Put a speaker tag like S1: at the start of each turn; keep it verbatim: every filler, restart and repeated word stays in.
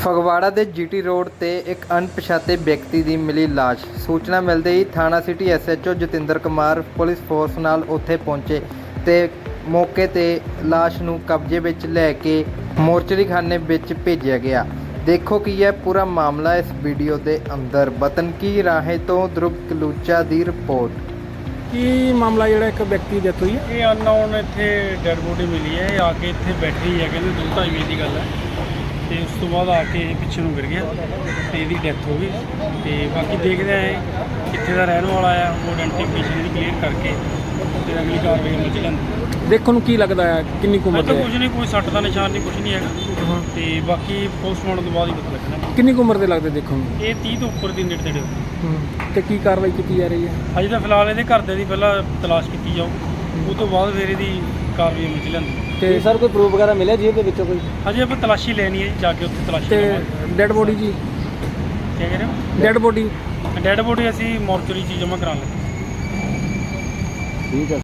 S1: ਫਗਵਾੜਾ ਦੇ GT road ਤੇ ਇੱਕ ਅਣਪਛਾਤੇ ਵਿਅਕਤੀ ਦੀ ਮਿਲੀ ਲਾਸ਼। ਸੂਚਨਾ ਮਿਲਦੇ ਹੀ ਥਾਣਾ city SHO Jatinder Kumar police force ਨਾਲ ਉੱਥੇ ਪਹੁੰਚੇ ਤੇ ਮੌਕੇ ਤੇ ਲਾਸ਼ ਨੂੰ ਕਬਜ਼ੇ ਵਿੱਚ ਲੈ ਕੇ ਮੋਰਚਰੀ ਖਾਨੇ ਵਿੱਚ ਭੇਜਿਆ ਗਿਆ। ਦੇਖੋ ਕੀ ਹੈ ਪੂਰਾ ਮਾਮਲਾ ਇਸ ਵੀਡੀਓ ਦੇ ਅੰਦਰ। ਵਤਨ ਕੀ ਰਾਹੇ ਤੋਂ ਧਰੁਵ ਕਲੂਚਾ ਦੀ ਰਿਪੋਰਟ।
S2: ਕੀ ਮਾਮਲਾ ਜਿਹੜਾ ਇੱਕ ਵਿਅਕਤੀ ਦੀ ਡੈਥ ਹੋਈ ਹੈ?
S3: ਇਹ ਅਨਨੋਨ ਇੱਥੇ ਡੈਡ ਬੋਡੀ ਮਿਲੀ ਹੈ। ਇਹ ਆ ਕੇ ਇੱਥੇ ਬੈਠੀ ਹੈ, ਕਹਿੰਦੇ ਦੋ ਢਾਈ ਵਜੇ ਦੀ ਗੱਲ ਹੈ ਤੇ ਉਸ ਤੋਂ ਬਾਅਦ ਆ ਕੇ ਇਹ ਪਿੱਛੇ ਨੂੰ ਗਿਰ ਗਿਆ ਤੇ ਇਹਦੀ ਡੈਥ ਹੋ ਗਈ। ਤੇ ਬਾਕੀ ਦੇਖਦੇ ਆ ਕਿੱਥੇ ਦਾ ਰਹਿਣ ਵਾਲਾ ਆ, ਉਹ ਆਇਡੈਂਟੀਫਿਕੇਸ਼ਨ ਦੀ ਕਲੀਅਰ ਕਰਕੇ ਤੇ ਅਗਲੀ ਕਾਰਵਾਈ ਅਮਲ 'ਚ ਲਿਆਂਦੀ।
S2: ਦੇਖਣ ਨੂੰ ਕੀ ਲੱਗਦਾ ਹੈ ਕਿੰਨੀ ਕੁ ਉਮਰ
S3: ਤਾਂ
S2: ਦਾ
S3: ਕੁਝ ਨਹੀਂ, ਕੋਈ ਸੱਟ ਦਾ ਨਿਸ਼ਾਨ ਨਹੀਂ, ਕੁਝ ਨਹੀਂ ਹੈਗਾ। ਤੇ ਬਾਕੀ ਪੋਸਟਮਾਰਟਮ ਤੋਂ ਬਾਅਦ ਹੀ ਪਤਾ ਲੱਗਣਾ।
S2: ਕਿੰਨੀ ਕੁ ਉਮਰ ਦੇ ਲੱਗਦੇ ਦੇਖਣ ਨੂੰ?
S3: ਇਹ ਤੀਹ ਤੋਂ ਉੱਪਰ ਦੀ ਨੇੜੇ ਤੇੜੇ
S2: ਤੇ ਕੀ ਕਾਰਵਾਈ ਕੀਤੀ ਜਾ ਰਹੀ ਹੈ?
S3: ਅਜੇ ਤਾਂ ਫਿਲਹਾਲ ਇਹਦੇ ਘਰਦਿਆਂ ਦੀ ਪਹਿਲਾਂ ਤਲਾਸ਼ ਕੀਤੀ ਜਾਊ, ਉਹ ਤੋਂ ਬਾਅਦ ਫਿਰ ਇਹਦੀ ਕਾਰਵਾਈ ਅਮਲ 'ਚ ਲਿਆਂਦੀ।
S2: ਤੇ ਸਰ ਕੋਈ ਪ੍ਰੂਫ ਵਗੈਰਾ ਮਿਲਿਆ ਜੇਬ ਦੇ ਵਿੱਚੋਂ ਕੋਈ?
S3: ਅਜੇ ਆਪਾਂ ਤਲਾਸ਼ੀ ਲੈਣੀ ਹੈ ਜੀ, ਜਾ ਕੇ ਉੱਥੇ ਤਲਾਸ਼ੀ
S2: ਤੇ
S3: ਲਵਾਂਗੇ।
S2: ਡੈਡ ਬੋਡੀ ਜੀ?
S3: ਕੀ ਕਹਿ ਰਹੇ ਹੋ?
S2: ਡੈਡ ਬੋਡੀ
S3: ਡੈਡ ਬੋਡੀ ਅਸੀਂ ਮੋਰਚਰੀ 'ਚ ਜਮ੍ਹਾਂ ਕਰਾਉਣ ਲੱਗੇ।
S2: ਠੀਕ ਹੈ।